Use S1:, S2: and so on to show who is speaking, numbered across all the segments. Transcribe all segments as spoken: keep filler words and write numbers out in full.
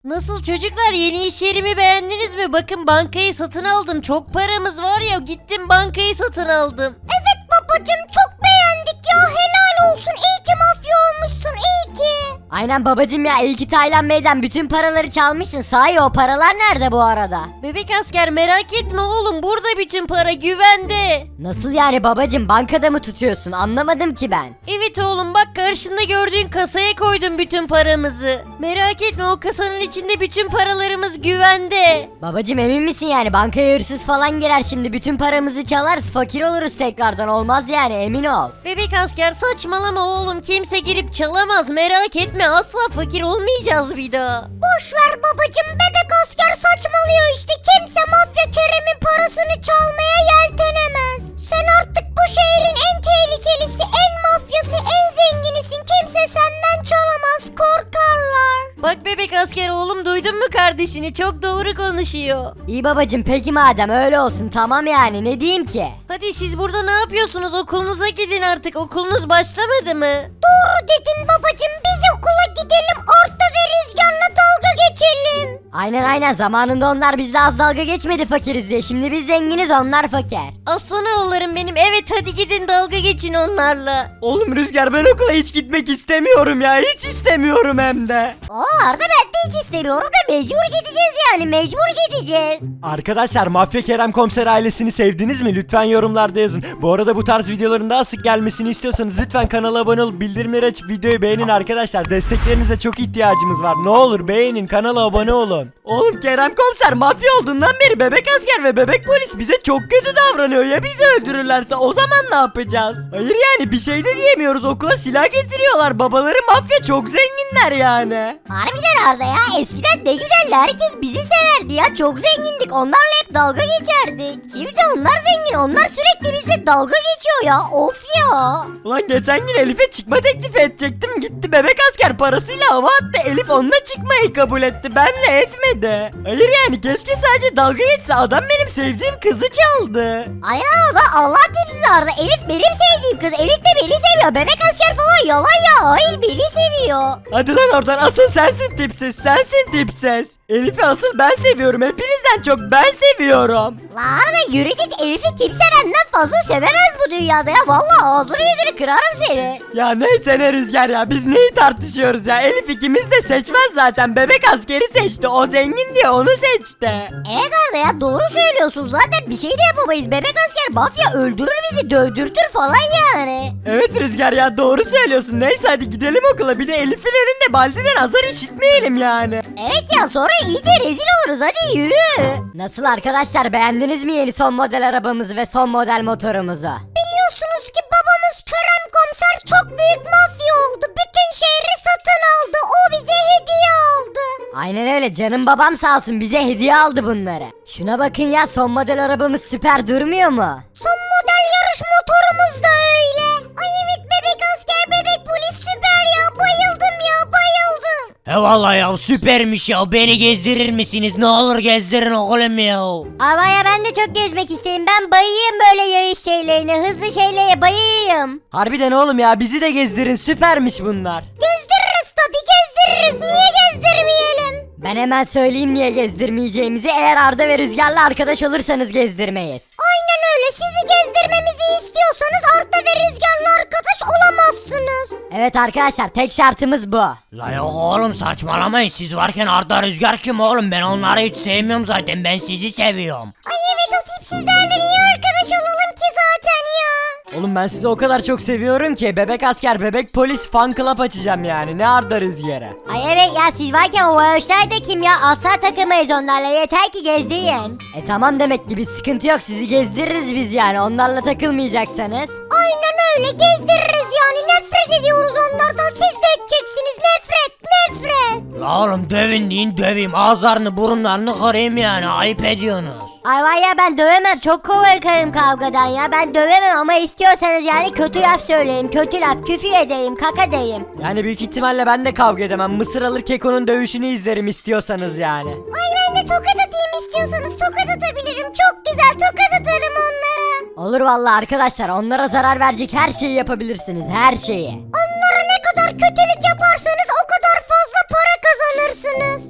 S1: Nasıl çocuklar, yeni iş yerimi beğendiniz mi? Bakın, bankayı satın aldım. Çok paramız var ya, gittim bankayı satın aldım.
S2: Evet babacım, çok beğendik ya, helal olsun, iyi ki mafya olmuşsun, iyi ki.
S3: Aynen babacım ya, iyi ki Taylan Bey'den bütün paraları çalmışsın. Sahi o paralar nerede bu arada?
S1: Bebek asker, merak etme oğlum, burada bütün para güvende.
S3: Nasıl yani babacım, bankada mı tutuyorsun? Anlamadım ki ben.
S1: Evet oğlum, bak karşında gördüğün kasaya koydum bütün paramızı. Merak etme, o kasanın içinde bütün paralarımız güvende.
S3: Babacım emin misin yani, bankaya hırsız falan girer şimdi, bütün paramızı çalarız, fakir oluruz tekrardan, olmaz yani, emin ol.
S1: Bebek asker, saçmalama oğlum, kimse girip çalamaz, merak etme, asla fakir olmayacağız bir daha.
S2: Boş ver babacım, bebek asker saçmalıyor işte, kimse mafya Kerem'in parasını çalmaya yeltenemez. Sen artık bu şehrin en tehlikelisi, en mafyası, en zenginisin, kimse senden çalamaz, korkarlar.
S1: Bak bebek asker oğlum, duydun mu kardeşini, çok doğru konuşuyor.
S3: İyi babacım, peki madem öyle olsun, tamam yani, ne diyeyim ki?
S1: Hadi siz burada ne yapıyorsunuz, okulunuza gidin artık, okulunuz başlamadı mı?
S2: Doğru dedin babacım, biz okula gidelim, Arda ve Rüzgar'la dalga geçelim.
S3: Aynen aynen, zamanında onlar bizle az dalga geçmedi fakiriz diye, şimdi biz zenginiz, onlar fakir.
S1: Aslan oğullarım benim, evet hadi gidin dalga geçin onlarla.
S4: Oğlum Rüzgar, ben okula hiç gitmek istemiyorum ya, hiç istemiyorum hem de.
S2: Aa Arda, ben de hiç istemiyorum da mecbur gideceğiz yani, mecbur gideceğiz.
S4: Arkadaşlar, Mafya Kerem Komiser ailesini sevdiniz mi? Lütfen yorumlarda yazın. Bu arada bu tarz videoların daha sık gelmesini istiyorsanız lütfen kanala abone olup bildirimleri açıp videoyu beğenin arkadaşlar. Desteklerinize çok ihtiyacımız var. Ne olur beğenin, kanala abone olun. Oğlum Kerem Komiser mafya olduğundan beri bebek asker ve bebek polis bize çok kötü davranıyor. Ya bizi öldürürlerse o zaman ne yapacağız? Hayır yani bir şey de diyemiyoruz. Okula silah getiriyorlar. Babaları mafya, çok zenginler yani.
S2: Harbiden Arda ya, eskiden ne güzeldi, herkes bizi severdi ya, çok zengindik, onlarla hep dalga geçerdik. Şimdi onlar zengin, onlar sürekli bizle dalga geçiyor ya, of ya.
S4: Ulan geçen gün Elif'e çıkma teklifi edecektim. Gitti bebek asker parasıyla hava attı. Elif onunla çıkmayı kabul etti. Benle etmedi. Hayır yani keşke sadece dalga geçse. Adam benim sevdiğim kızı çaldı.
S2: Aynen, o da Allah tipsiz Arda, Elif benim sevdiğim kız, Elif de beni seviyor, bebek asker falan yalan ya, hayır beni seviyor.
S4: Hadi lan oradan, asıl sensin tipsiz. Sensin tipsiz. Elif'i asıl ben seviyorum. Hepinizden çok ben seviyorum.
S2: La Arda yürü git, Elif'i kimse benden fazla sevemez bu dünyada ya, vallahi ağzını yüzünü kırarım seni.
S4: Ya neyse ne Rüzgar ya, biz neyi tartışıyoruz ya? Elif ikimiz de seçmez zaten. Bebek askeri seçti. O zengin diye onu seçti.
S2: Evet Arda ya, doğru söylüyorsun, zaten bir şey de yapamayız, bebek asker mafya öldürür bizi, dövdürtür falan yani.
S4: Evet Rüzgar ya, doğru söylüyorsun. Neyse hadi gidelim okula. Bir de Elif'in önünde Baldi'den azar işitmeyelim yani.
S2: Evet ya, sonra iyice rezil oluruz, hadi yürü.
S3: Nasıl arkadaşlar, beğendiniz mi yeni son model arabamızı ve son model motorumuzu?
S2: Biliyorsunuz ki babamız Kerem Komiser çok büyük mafya oldu, bütün şehri satın aldı, o bize hediye aldı.
S3: Aynen öyle, canım babam sağ olsun bize hediye aldı bunları. Şuna bakın ya, son model arabamız süper durmuyor mu?
S2: Son model yarış motorumuz da öyle. Ay evet, bebek asker, bebek polis süper ya, bayıldım ya, bayıldım.
S5: He vallahi ya, süpermiş ya, beni gezdirir misiniz? Ne olur gezdirin oğlum ya.
S2: Ama ya ben de çok gezmek isterim, ben bayıyım böyle yayış şeylerine, hızlı şeylere bayıyım.
S4: Harbiden oğlum ya, bizi de gezdirin, süpermiş bunlar.
S2: Gezdiririz tabi, gezdiririz, niye gezdirmeyelim?
S3: Ben hemen söyleyeyim niye gezdirmeyeceğimizi, eğer Arda ve Rüzgar'la arkadaş olursanız gezdirmeyiz.
S2: Aynen öyle, sizi gezdirmemizi istiyorsanız Arda ve Rüzgar'la arkadaş olamazsınız.
S3: Evet arkadaşlar, tek şartımız bu.
S5: La yok oğlum, saçmalamayın, siz varken Arda Rüzgar kim oğlum? Ben onları hiç sevmiyorum zaten, ben sizi seviyorum.
S2: Ay evet, o tipsizlerle niye arkadaş olalım ki zaten ya?
S4: Oğlum ben sizi o kadar çok seviyorum ki bebek asker, bebek polis fan club açacağım yani. Ne Arda Rüzgar'a.
S2: Ay evet ya, siz varken o vayoşlar da kim ya, asla takılmayız onlarla, yeter ki gezdirin.
S3: E tamam, demek ki bir sıkıntı yok, sizi gezdiririz biz yani, onlarla takılmayacaksanız.
S2: Aynen öyle, gezdiririz yani, nefret ediyoruz onlardan, siz de edeceksiniz, nefret nefret.
S5: La oğlum dövün deyin döveyim, ağızlarını burunlarını kırayım yani, ayıp ediyorsunuz.
S3: Ay var ya, ben dövemem, çok korkarım kavgadan ya, ben dövemem ama istiyorsanız yani kötü laf söyleyin, kötü laf, küfür edeyim, kaka deyim.
S4: Yani büyük ihtimalle ben de kavga edemem. Mısır alır Keko'nun dövüşünü izlerim istiyorsanız yani.
S2: Ay ben de tokat atayım, istiyorsanız tokat atabilirim, çok güzel tokat atarım onlara.
S3: Olur vallahi arkadaşlar, onlara zarar verecek her şeyi yapabilirsiniz, her şeyi.
S2: Onlara ne kadar kötülük yaparsanız o kadar fazla para kazanırsınız.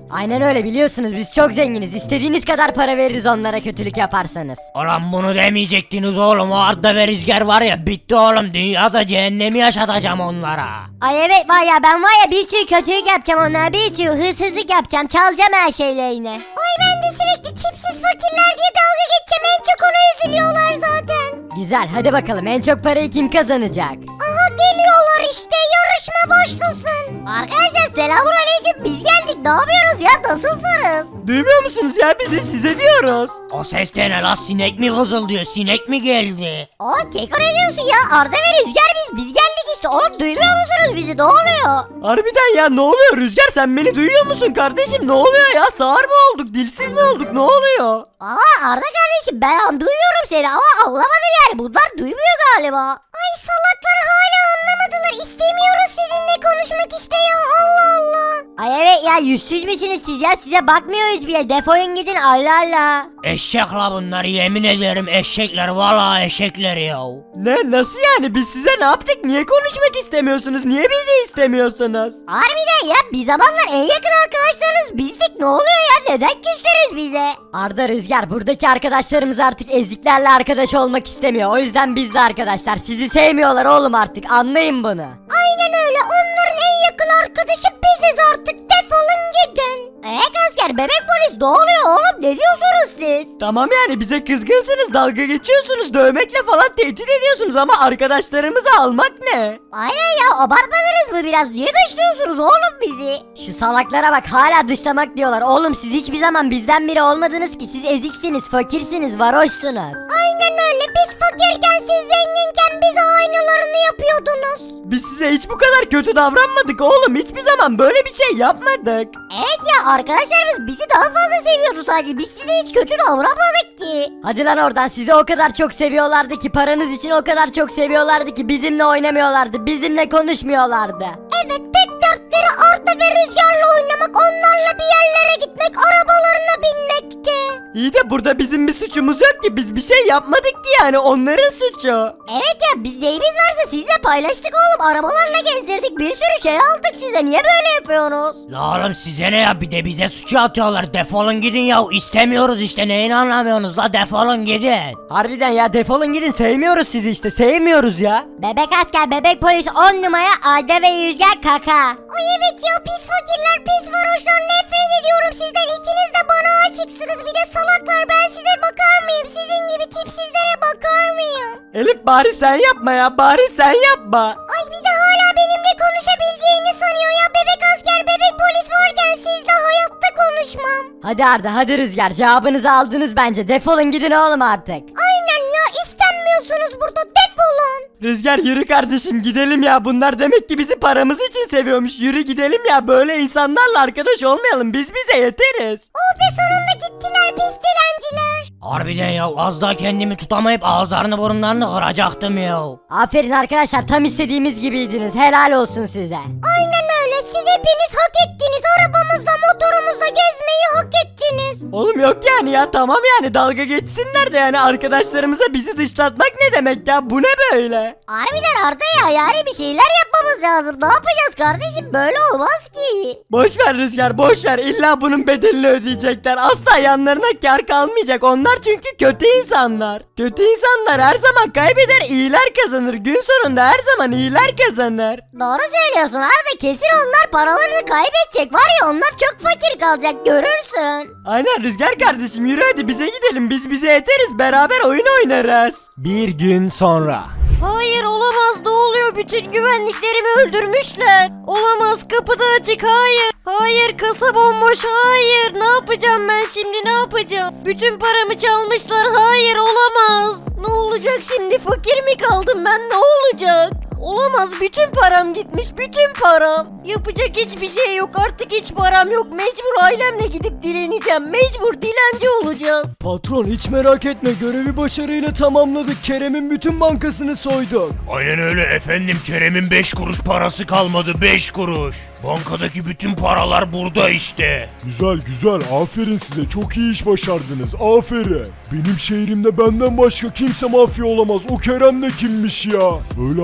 S3: Aynen öyle, biliyorsunuz biz çok zenginiz. İstediğiniz kadar para veririz onlara kötülük yaparsanız.
S5: Ulan bunu demeyecektiniz oğlum. O Arda ve Rüzgar var ya, bitti oğlum. Dünyada cehennemi yaşatacağım onlara.
S3: Ay evet var ya, ben var ya bir sürü kötülük yapacağım onlara, bir sürü hırsızlık yapacağım, çalacağım her şeylerini.
S2: Ay ben de sürekli tipsiz fakirler diye dalga geçeceğim. En çok ona üzülüyorlar zaten.
S3: Güzel, hadi bakalım en çok parayı kim kazanacak?
S2: Aha geliyorlar işte. Yarışma başlasın.
S3: Arkadaşlar selamünaleyküm, biz geldik, ne yapıyoruz ya, nasılsınız?
S4: Duymuyor musunuz ya, bizi size diyoruz.
S5: O ses de ne la, sinek mi vızıldıyor, sinek mi geldi?
S3: Aa Keko ne diyorsun ya, Arda ve Rüzgar biz, biz geldik işte oğlum, duymuyor musunuz bizi, ne oluyor?
S4: Harbiden ya, ne oluyor Rüzgar, sen beni duyuyor musun kardeşim, ne oluyor ya, sağır mı olduk, dilsiz mi olduk, ne oluyor?
S3: Aa Arda kardeşim, ben duyuyorum seni ama anlamadım yani, bunlar duymuyor galiba.
S2: Ay salaklar hala anlamadılar. İstemiyoruz sizinle konuşmak işte ya. Allah Allah.
S3: Ay evet ya, yüzsüz müsünüz siz ya, size bakmıyoruz bile, defolun gidin, Allah Allah.
S5: Eşek la bunlar, yemin ederim eşekler, valla eşekler ya.
S4: Ne, nasıl yani, biz size ne yaptık, niye konuşmak istemiyorsunuz, niye bizi istemiyorsunuz?
S3: Harbiden ya, bir zamanlar en yakın arkadaşlarınız bizdik, ne oluyor ya, neden küstünüz bize? Arda, Rüzgar, buradaki arkadaşlarımız artık eziklerle arkadaş olmak istemiyor, o yüzden biz de arkadaşlar, sizi sevmiyorlar oğlum, artık anlayın bunu.
S2: Aynen öyle. Onların en yakın arkadaşı biziz artık. Defolun gidin.
S3: Eee asker, bebek polis, ne oluyor oğlum, ne diyorsunuz siz?
S4: Tamam yani, bize kızgınsınız, dalga geçiyorsunuz, dövmekle falan tehdit ediyorsunuz ama arkadaşlarımızı almak ne?
S3: Aynen ya, abartmadınız mı biraz, niye dışlıyorsunuz oğlum bizi? Şu salaklara bak, hala dışlamak diyorlar, oğlum siz hiçbir zaman bizden biri olmadınız ki, siz eziksiniz, fakirsiniz, varoşsunuz.
S2: Aynen öyle. Biz fakirken siz zenginken bize aynılarını yapıyordunuz.
S4: Biz size hiç bu kadar kötü davranmadık oğlum, hiçbir zaman böyle bir şey yapmadık.
S3: Evet ya, arkadaşlarımız bizi daha fazla seviyordu sadece, biz size hiç kötü davranmadık ki. Hadi lan oradan, sizi o kadar çok seviyorlardı ki, paranız için o kadar çok seviyorlardı ki bizimle oynamıyorlardı, bizimle konuşmuyorlardı.
S2: Evet, tek dertleri Arda ve Rüzgar'la oynamak, onlarla bir yerlere gitmek, arabalarına binmekti.
S4: İyi de burada bizim bir suçumuz yok ki, biz bir şey yapmadık ki, yani onların suçu.
S3: Evet ya, biz neyimiz varsa sizle paylaştık oğlum, arabalarla gezdirdik, bir sürü şey aldık size, niye böyle yapıyorsunuz?
S5: La oğlum size ne ya, bir de bize suçu atıyorlar, defolun gidin ya, istemiyoruz işte, neyini anlamıyorsunuz la, defolun gidin.
S4: Harbiden ya, defolun gidin, sevmiyoruz sizi işte, sevmiyoruz ya.
S3: Bebek asker, bebek polis on numara, Arda ve Rüzgar kaka.
S2: Ay evet ya, pis fakirler, pis varoşlar, nefret ediyorum sizden. İkiniz de bana aşıksınız. Bir de salaklar, ben size bakar mıyım? Sizin gibi tipsizlere bakar mıyım?
S4: Elif, bari sen yapma ya, bari sen yapma.
S2: Ay bir de hala benimle konuşabileceğini sanıyor ya. Bebek asker, bebek polis varken sizle hayatta konuşmam.
S3: Hadi Arda, hadi Rüzgar, cevabınızı aldınız bence, defolun gidin oğlum artık.
S2: Aynen ya, istenmiyorsunuz burada, defolun.
S4: Rüzgar, yürü kardeşim, gidelim ya, bunlar demek ki bizi paramız için seviyormuş, yürü gidelim ya, böyle insanlarla arkadaş olmayalım, biz bize yeteriz.
S2: Oh be, sonunda gittiler pis dilenciler.
S5: Harbiden ya, az daha kendimi tutamayıp ağızlarını burunlarını kıracaktım ya.
S3: Aferin arkadaşlar, tam istediğimiz gibiydiniz, helal olsun size.
S2: Aynen öyle, siz hepiniz hak ettiniz. Arabamızla, motorumuzla gezmeyi hak ettiniz.
S4: Oğlum yok yani ya, tamam yani, dalga geçsinler de yani, arkadaşlarımıza bizi dışlatmak ne demek ya, bu ne böyle?
S3: Harbiden Arda ya, yani bir şeyler yapmamız lazım, ne yapacağız kardeşim, böyle olmaz ki.
S4: Boş ver Rüzgar, boş ver, illa bunun bedelini ödeyecekler, asla yanlarına kar kalmayacak, onlar çünkü kötü insanlar. Kötü insanlar her zaman kaybeder, iyiler kazanır, gün sonunda her zaman iyiler kazanır.
S3: Doğru söylüyorsun Arda, kesin onlar paralarını kaybedecek, var ya onlar çok fakir kalacak, görürsün.
S4: Aynen Rüzgar kardeşim, yürü hadi bize gidelim, biz bize yeteriz, beraber oyun oynarız. Bir gün sonra.
S1: Hayır olamaz, ne oluyor, bütün güvenliklerimi öldürmüşler. Olamaz, kapı da açık, hayır. Hayır, kasa bomboş, hayır. Ne yapacağım ben şimdi, ne yapacağım? Bütün paramı çalmışlar, hayır olamaz. Ne olacak şimdi, fakir mi kaldım ben, ne olacak? Olamaz, bütün param gitmiş, bütün param. Yapacak hiçbir şey yok, artık hiç param yok. Mecbur ailemle gidip dileneceğim, mecbur dilenci olacağız.
S4: Patron, hiç merak etme, görevi başarıyla tamamladık, Kerem'in bütün bankasını soyduk.
S6: Aynen öyle efendim, Kerem'in beş kuruş parası kalmadı, beş kuruş. Bankadaki bütün paralar burada işte.
S7: Güzel güzel, aferin size, çok iyi iş başardınız, aferin. Benim şehrimde benden başka kimse mafya olamaz, o Kerem de kimmiş ya? Böyle artist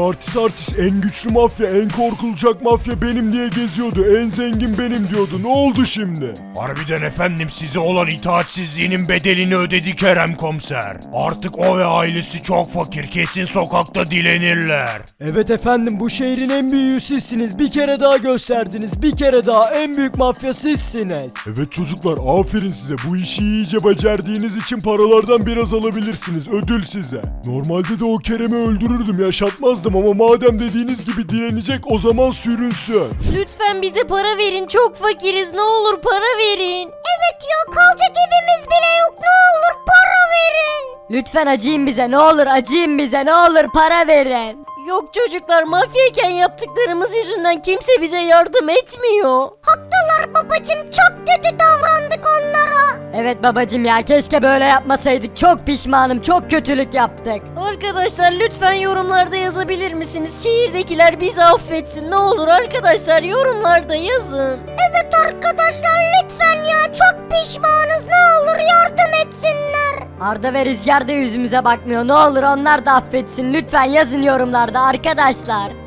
S7: artist, en güçlü mafya, en korkulacak mafya benim diye geziyordu. En zengin benim diyordu. Ne oldu şimdi?
S6: Harbiden efendim, size olan itaatsizliğinin bedelini ödedi Kerem komiser. Artık o ve ailesi çok fakir, kesin sokakta dilenirler.
S4: Evet efendim, bu şehrin en büyüğü sizsiniz. Bir kere daha gösterdiniz. Bir kere daha en büyük mafya sizsiniz.
S7: Evet çocuklar, aferin size. Bu işi iyice becerdiğiniz için paralardan biraz alabilirsiniz. Ödül size. Normalde de o Kerem'i öldürürdüm, yaşatmazdım ama madem dediğiniz gibi dilenecek, o zaman sürünsün.
S1: Lütfen bize para verin, çok fakiriz, ne olur para verin.
S2: Evet ya, kalacak evimiz bile yok, ne olur para verin.
S3: Lütfen acıyın bize, ne olur acıyın bize, ne olur para verin.
S1: Yok çocuklar, mafyayken yaptıklarımız yüzünden kimse bize yardım etmiyor.
S2: Haklılar babacım, çok kötü davrandık onlara.
S3: Evet babacım ya, keşke böyle yapmasaydık. Çok pişmanım, çok kötülük yaptık.
S1: Arkadaşlar lütfen yorumlarda yazabilir misiniz? Şehirdekiler bizi affetsin, ne olur arkadaşlar yorumlarda yazın.
S2: Evet arkadaşlar, lütfen ya, çok pişmanız, ne olur yardım etsinler.
S3: Arda ve Rüzgar da yüzümüze bakmıyor. Ne olur onlar da affetsin. Lütfen yazın yorumlarda arkadaşlar.